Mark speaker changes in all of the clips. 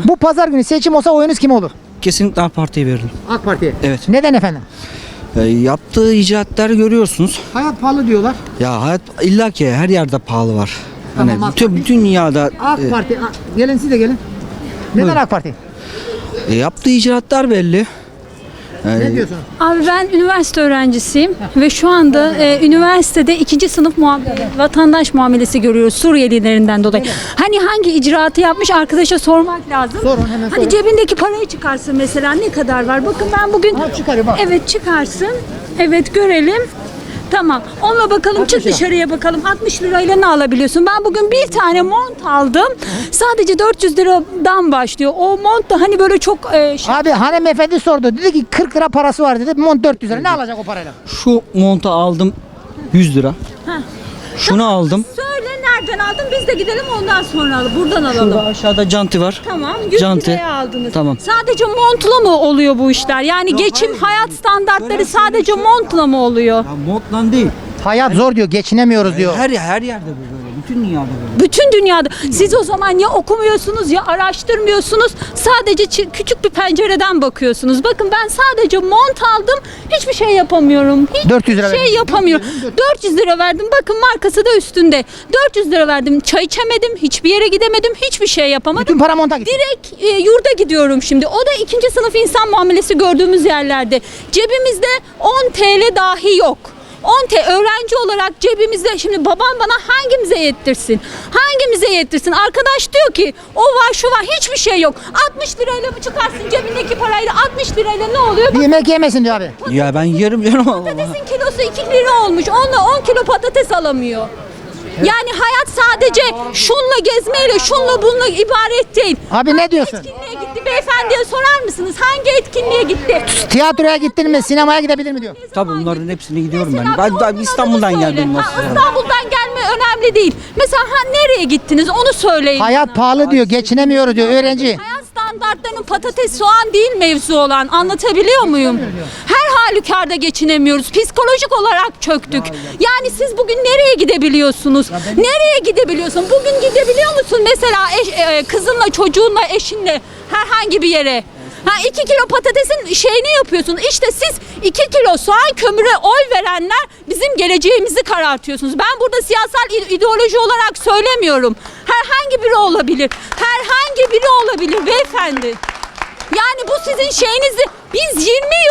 Speaker 1: Bu pazar günü seçim olsa oyunuz kime olur?
Speaker 2: Kesinlikle AK Parti'ye verirdim.
Speaker 1: AK Parti'ye.
Speaker 2: Evet.
Speaker 1: Neden efendim?
Speaker 2: Yaptığı icraatları görüyorsunuz.
Speaker 1: Hayat pahalı diyorlar.
Speaker 2: Ya hayat illa ki her yerde pahalı var.
Speaker 1: Tamam,
Speaker 2: Hani
Speaker 1: AK
Speaker 2: bütün dünyada
Speaker 1: AK Parti. Gelin siz de gelin. Neden
Speaker 2: Buyurun.
Speaker 1: AK Parti?
Speaker 2: yaptığı icraatlar belli.
Speaker 1: Ne diyorsunuz?
Speaker 3: Abi ben üniversite öğrencisiyim ve şu anda üniversitede 2. sınıf vatandaş muamelesi görüyoruz Suriyelilerinden dolayı. Hani hangi icraatı yapmış arkadaşa sormak lazım.
Speaker 1: Sorun, hemen sorun.
Speaker 3: Hani cebindeki parayı çıkarsın mesela ne kadar var? Bakın ben bugün
Speaker 1: Çıkarıyor bak.
Speaker 3: evet çıkarsın. Evet görelim. Tamam. Onunla bakalım
Speaker 1: 60
Speaker 3: çık
Speaker 1: lira.
Speaker 3: dışarıya bakalım. 60 lirayla ne alabiliyorsun? Ben bugün bir tane mont aldım. Sadece 400 liradan başlıyor. O mont da hani böyle çok
Speaker 1: Abi hanımefendi sordu. Dedi ki 40 lira parası var dedi. Mont 400 lira. Ne alacak o parayla?
Speaker 2: Şu montu aldım 100 lira. Şunu aldım.
Speaker 3: Söyle nereden aldın? Biz de gidelim ondan sonra alalım. Buradan alalım.
Speaker 2: Şurada aşağıda canti var.
Speaker 3: Tamam. 100
Speaker 2: Canti.
Speaker 3: liraya aldınız.
Speaker 2: Tamam.
Speaker 3: Sadece montla mı oluyor bu işler? Yani geçim, hayat standartları sadece montla mı oluyor?
Speaker 2: Ya montla değil.
Speaker 1: Hayat zor diyor. Geçinemiyoruz diyor.
Speaker 2: Her yerde bu böyle. Bütün dünyada böyle.
Speaker 3: Bütün dünyada. Siz o zaman ya okumuyorsunuz ya araştırmıyorsunuz. Sadece küçük bir pencereden bakıyorsunuz. Bakın ben sadece mont aldım. Hiçbir şey yapamıyorum. Hiçbir
Speaker 1: 400 lira
Speaker 3: şey
Speaker 1: verdin.
Speaker 3: yapamıyorum. 400 lira verdim. Bakın markası da üstünde. 400 lira verdim. Çay içemedim. Hiçbir yere gidemedim. Hiçbir şey yapamadım.
Speaker 1: Bütün para monta gitti.
Speaker 3: Direkt yurda gidiyorum şimdi. O da 2. sınıf insan muamelesi gördüğümüz yerlerde. Cebimizde 10 TL dahi yok. 10 TL öğrenci olarak cebimizde şimdi babam bana hangimize yettirsin? Hangimize yettirsin? Arkadaş diyor ki o var şu var hiçbir şey yok. 60 lirayla mı çıkarsın cebindeki parayla 60 lirayla ne oluyor?
Speaker 1: Bir yemek yemesin diyor abi.
Speaker 2: Ya ben yerim canım ama.
Speaker 3: Patatesin kilosu 2 lira olmuş. Onunla 10 kilo patates alamıyor. Yani hayat sadece şunla gezmeyle, şunla bununla ibaret değil.
Speaker 1: Abi ne diyorsun?
Speaker 3: Etkinliğe gitti beyefendiye sorar mısınız? Hangi etkinliğe gitti?
Speaker 1: Tiyatroya gittin mi? Sinemaya gidebilir mi diyor.
Speaker 2: Tabii bunların hepsine gidiyorum ben.
Speaker 3: Mesela bir
Speaker 2: Ben
Speaker 3: onun
Speaker 2: İstanbul'dan
Speaker 3: adını söyle.
Speaker 2: geldim
Speaker 3: Ha,
Speaker 2: aslında.
Speaker 3: İstanbul'dan gelme önemli değil. Mesela nereye gittiniz onu söyleyin.
Speaker 1: Hayat pahalı diyor. Geçinemiyoruz diyor öğrenci.
Speaker 3: Hayat standartlarının patates, soğan değil mevzu olan. Anlatabiliyor muyum? Her halükarda geçinemiyoruz. Psikolojik olarak çöktük. Yani siz bugün nereye gidebiliyorsunuz? Nereye gidebiliyorsun? Bugün gidebiliyor musun mesela kızınla, çocuğunla, eşinle herhangi bir yere? 2 kilo patatesin şeyini yapıyorsun. İşte siz 2 kilo soğan kömüre oy verenler bizim geleceğimizi karartıyorsunuz. Ben burada siyasal ideoloji olarak söylemiyorum. Herhangi biri olabilir. Herhangi biri olabilir beyefendi. Yani bu sizin şeyinizi biz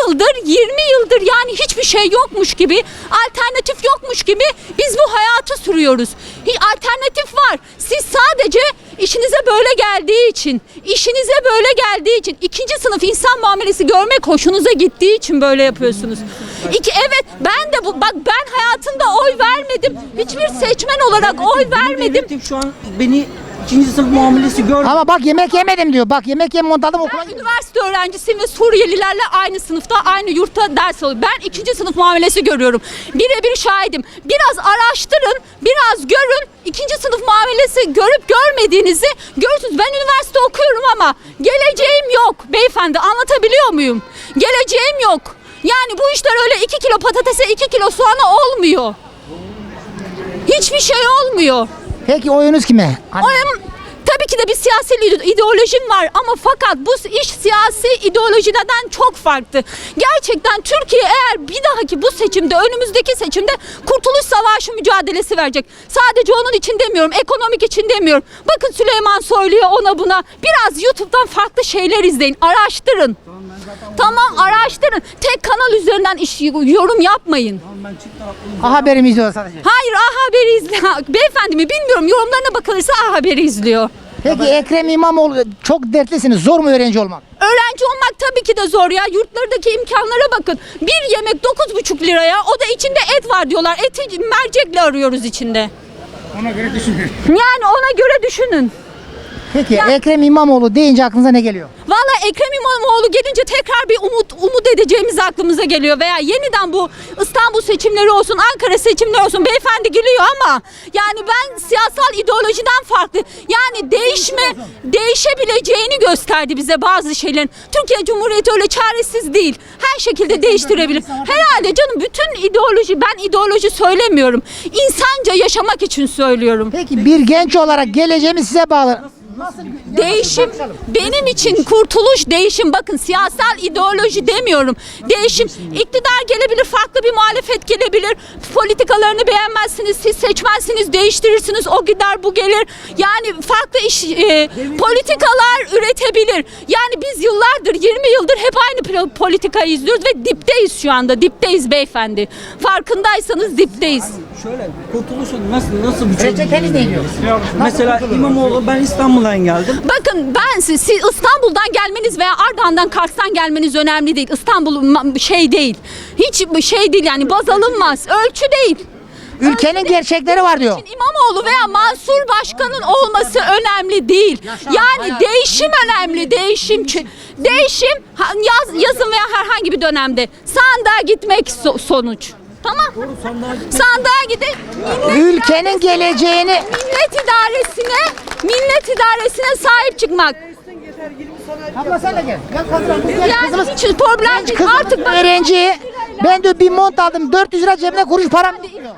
Speaker 3: 20 yıldır yani hiçbir şey yokmuş gibi, alternatif yokmuş gibi biz bu hayatı sürüyoruz. Alternatif var. Siz sadece işinize böyle geldiği için, 2. sınıf insan muamelesi görmek hoşunuza gittiği için böyle yapıyorsunuz. Evet ben de ben hayatımda oy vermedim. Hiçbir seçmen olarak oy vermedim.
Speaker 2: Devletim şu an beni 2. sınıf muamelesi görmüyor.
Speaker 1: Ama bak yemek yemedim diyor. Bak yemek yem mont aldım okula
Speaker 3: Ben
Speaker 1: gidiyorum.
Speaker 3: üniversite öğrencisiyim ve Suriyelilerle aynı sınıfta, aynı yurtta ders alıyorum. Ben 2. sınıf muamelesi görüyorum. Birebir şahidim. Biraz araştırın, biraz görün. 2. sınıf muamelesi görüp görmediğinizi görürsünüz. Ben üniversite okuyorum ama geleceğim yok beyefendi. Anlatabiliyor muyum? Geleceğim yok. Yani bu işler öyle 2 kilo patatese 2 kilo soğana olmuyor. Hiçbir şey olmuyor.
Speaker 1: Peki oyunuz kime?
Speaker 3: Oyum tabii ki de bir siyasi ideolojim var ama fakat bu iş siyasi ideolojiden çok farklı. Gerçekten Türkiye eğer bir dahaki bu seçimde, önümüzdeki seçimde Kurtuluş Savaşı mücadelesi verecek. Sadece onun için demiyorum, ekonomik için demiyorum. Bakın Süleyman Soylu'ya ona buna biraz YouTube'dan farklı şeyler izleyin, araştırın. Tamam araştırın. Tek kanal üzerinden yorum yapmayın.
Speaker 1: A Haber'i mi izliyor sadece?
Speaker 3: Hayır A Haber'i izle. Beyefendi mi bilmiyorum yorumlarına bakılırsa A Haber'i izliyor.
Speaker 1: Peki Ekrem İmamoğlu çok dertlisiniz. Zor mu öğrenci olmak?
Speaker 3: Öğrenci olmak tabii ki de zor ya. Yurtlardaki imkanlara bakın. Bir yemek 9,5 liraya. O da içinde et var diyorlar. Eti mercekle arıyoruz içinde.
Speaker 1: Ona göre düşünün.
Speaker 3: Yani ona göre düşünün.
Speaker 1: Peki
Speaker 3: Ya-
Speaker 1: Ekrem İmamoğlu deyince aklınıza ne geliyor?
Speaker 3: Valla Ekrem İmamoğlu gelince tekrar bir umut edeceğimiz aklımıza geliyor. Veya yeniden bu İstanbul seçimleri olsun, Ankara seçimleri olsun. Beyefendi gülüyor ama yani ben siyasal ideolojiden farklı. Yani değişebileceğini gösterdi bize bazı şeylerin. Türkiye Cumhuriyeti öyle çaresiz değil. Her şekilde değiştirebilir. Herhalde canım bütün ideoloji, ben ideoloji söylemiyorum. İnsanca yaşamak için söylüyorum.
Speaker 1: Peki bir genç olarak geleceğimi size bağlı.
Speaker 3: Değişim benim için kurtuluş değişim. Bakın siyasal ideoloji demiyorum. Değişim iktidar gelebilir, farklı bir muhalefet gelebilir. Politikalarını beğenmezsiniz, siz seçmezsiniz, değiştirirsiniz. O gider, bu gelir. Yani farklı politikalar üretebilir. Yani biz yıllardır, 20 yıldır hep aynı politikayı izliyoruz ve dipteyiz şu anda. Dipteyiz beyefendi. Farkındaysanız dipteyiz.
Speaker 2: Şöyle kurtuluşun nasıl bir çözüm?
Speaker 1: Reçeteniz ne diyor?
Speaker 2: Mesela İmamoğlu, ben İstanbul'dan geldim.
Speaker 3: Bakın ben siz İstanbul'dan gelmeniz veya Ardahan'dan, Kars'tan gelmeniz önemli değil. İstanbul şey değil. Hiç şey değil yani, baz alınmaz. Ölçü değil.
Speaker 1: Ülkenin gerçekleri var diyor.
Speaker 3: İmamoğlu veya Mansur Başkan'ın olması önemli değil. Yani değişim önemli. Değişim yazın veya herhangi bir dönemde sandığa gitmek sonuç. Tamam. Sandığa gidip
Speaker 1: Ülkenin geleceğini
Speaker 3: millet idaresine sahip çıkmak.
Speaker 1: Abla sen de gel. Gel kızım.
Speaker 3: Yani hiç problem değil.
Speaker 1: Kızım
Speaker 3: Artık bak-
Speaker 1: öğrenci. Ben de bir mont aldım. 400 lira cebine kuruş param.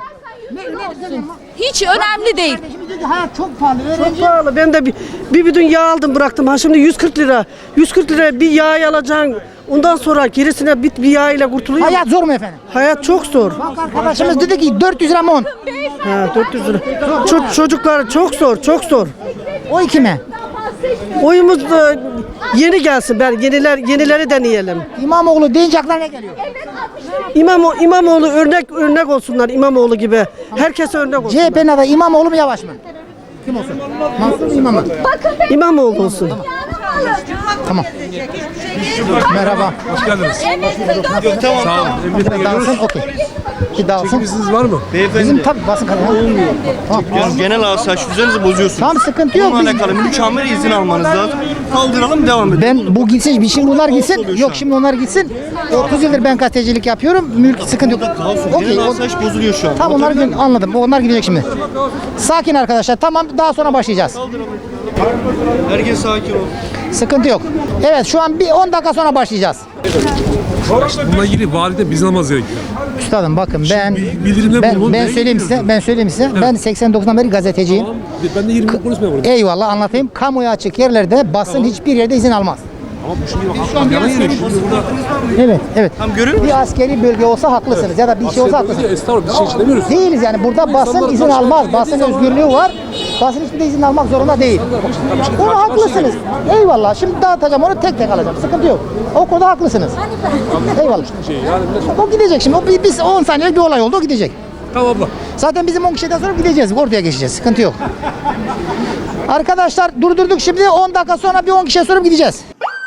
Speaker 3: Hiç önemli değil.
Speaker 1: Kardeşimiz diyor ki hayat çok pahalı.
Speaker 4: Çok
Speaker 1: Öğrenci.
Speaker 4: pahalı. Ben de bir bidon yağ aldım bıraktım. Ha şimdi 140 lira. 140 lira bir yağ alacaksın. Ondan sonra gerisine bir yağ ile kurtuluyor.
Speaker 1: Hayat zor mu efendim?
Speaker 4: Hayat çok zor.
Speaker 1: Bak arkadaşımız dedi ki 400 lira mont.
Speaker 4: Ha, 400 lira. Çocuklar çok zor, çok zor.
Speaker 1: O kime?
Speaker 4: Oyumuz da yeni gelsin. Yenileri deneyelim.
Speaker 1: İmamoğlu deyince aklına ne geliyor?
Speaker 4: İmamoğlu örnek olsunlar, İmamoğlu gibi. Herkese örnek olsun.
Speaker 1: CHP'nin adayı İmamoğlu mu Yavaş mı? Kim olsun? Mansur mu İmam mı?
Speaker 4: İmamoğlu olsun.
Speaker 1: Tamam. Merhaba.
Speaker 5: Hoş geldiniz. Sağ olun.
Speaker 1: Bir dağılsın, okey. Bir dağılsın.
Speaker 5: İzniniz var mı?
Speaker 1: Bizim tabii basın kanalı. Olmuyor.
Speaker 6: Yani genel asayiş düzeninizi bozuyorsunuz.
Speaker 1: Tam sıkıntı yok.
Speaker 6: Bununla alakalı mükemmel izin almanız lazım. Kaldıralım, devam edelim.
Speaker 1: Ben bu gitsin, şimdi onlar gitsin. Yok şimdi onlar gitsin. 30 yıldır ben gazetecilik yapıyorum. Mülk sıkıntı yok. Okey.
Speaker 6: Genel asayiş bozuluyor şu an.
Speaker 1: Tamam onları anladım. Onlar gidecek şimdi. Sakin arkadaşlar. Tamam daha sonra başlayacağız.
Speaker 6: Herkes sakin ol.
Speaker 1: Sıkıntı yok. Evet şu an bir 10 dakika sonra başlayacağız.
Speaker 5: Bununla ilgili valide biz almamız gerekiyor.
Speaker 1: Üstadım bakın
Speaker 5: bildirimler bulunur,
Speaker 1: ben
Speaker 5: neye
Speaker 1: söyleyeyim size. Ben söyleyeyim size. Ben 89'dan beri gazeteciyim.
Speaker 5: Tamam. Ben de 20 yıl konuşmuyorum burada.
Speaker 1: Eyvallah anlatayım. Kamuya açık yerlerde basın hiçbir yerde izin almaz.
Speaker 5: Ama bu şimdi yalan yeri. Şimdi burada
Speaker 1: Evet, evet.
Speaker 6: Tam görüyor musun?
Speaker 1: Bir askeri bölge olsa haklısınız ya da bir şey olsa haklısınız.
Speaker 5: estağfurullah biz şey için demiyoruz.
Speaker 1: Değiliz yani burada basın izin almaz. Basın özgürlüğü var. Basın hiçbir de izin almak zorunda değil. Onu haklısınız. Eyvallah. Şimdi dağıtacağım onu tek tek alacağım. Sıkıntı yok. O konuda haklısınız. Eyvallah. O gidecek şimdi. O biz 10 saniyelik bir olay oldu. O gidecek.
Speaker 5: Tamam abla.
Speaker 1: Zaten bizim 10 kişiden sonra gideceğiz. Orduya geçeceğiz. Sıkıntı yok. Arkadaşlar durdurduk şimdi. 10 dakika sonra bir 10 kişiye sorup gideceğiz.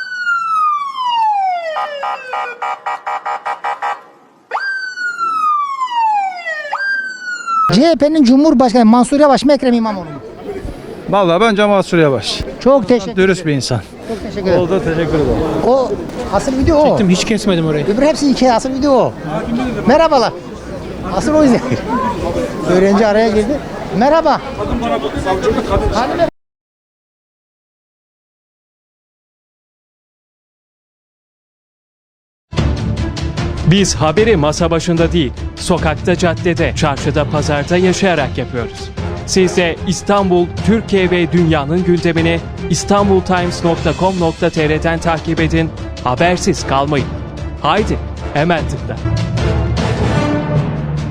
Speaker 1: CHP'nin Cumhurbaşkanı Mansur Yavaş mı Ekrem İmamoğlu mu?
Speaker 7: Vallahi bence Mansur Yavaş.
Speaker 1: Çok teşekkür
Speaker 7: Dürüst bir insan.
Speaker 1: Çok teşekkür ederim.
Speaker 7: Oldu, teşekkür ederim.
Speaker 1: O asıl video o.
Speaker 7: Hiç kesmedim orayı.
Speaker 1: Öbür hepsi hikaye, asıl video o. Merhabalar. Asıl o yüzden. Öğrenci araya girdi. Merhaba. Hanım
Speaker 8: Biz haberi masa başında değil, sokakta, caddede, çarşıda, pazarda yaşayarak yapıyoruz. Siz de İstanbul, Türkiye ve dünyanın gündemini istanbultimes.com.tr'den takip edin, habersiz kalmayın. Haydi, hemen tıkla.